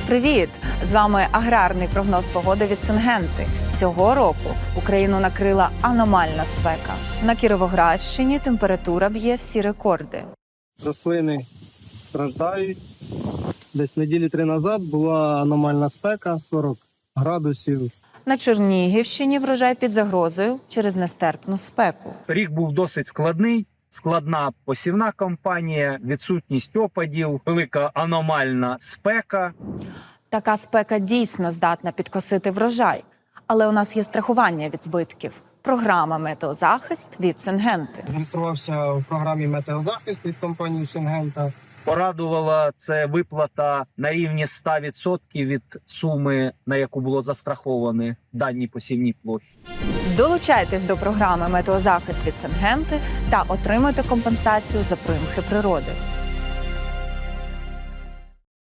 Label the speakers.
Speaker 1: Привіт! З вами аграрний прогноз погоди від Сингенти. Цього року Україну накрила аномальна спека. На Кіровоградщині температура б'є всі рекорди.
Speaker 2: Рослини страждають. Десь неділі 3 назад була аномальна спека, 40 градусів.
Speaker 1: На Чернігівщині врожай під загрозою через нестерпну спеку.
Speaker 3: Рік був досить складний. Складна посівна кампанія, відсутність опадів, велика аномальна спека.
Speaker 1: Така спека дійсно здатна підкосити врожай. Але у нас є страхування від збитків. Програма «Метеозахист» від Сингенти.
Speaker 2: Реєструвався в програмі «Метеозахист» від компанії «Сингента».
Speaker 3: Порадувала це виплата на рівні 100% від суми, на яку було застраховані дані посівні площі.
Speaker 1: Долучайтесь до програми «Метеозахист» від Сингенти та отримуйте компенсацію за примхи природи.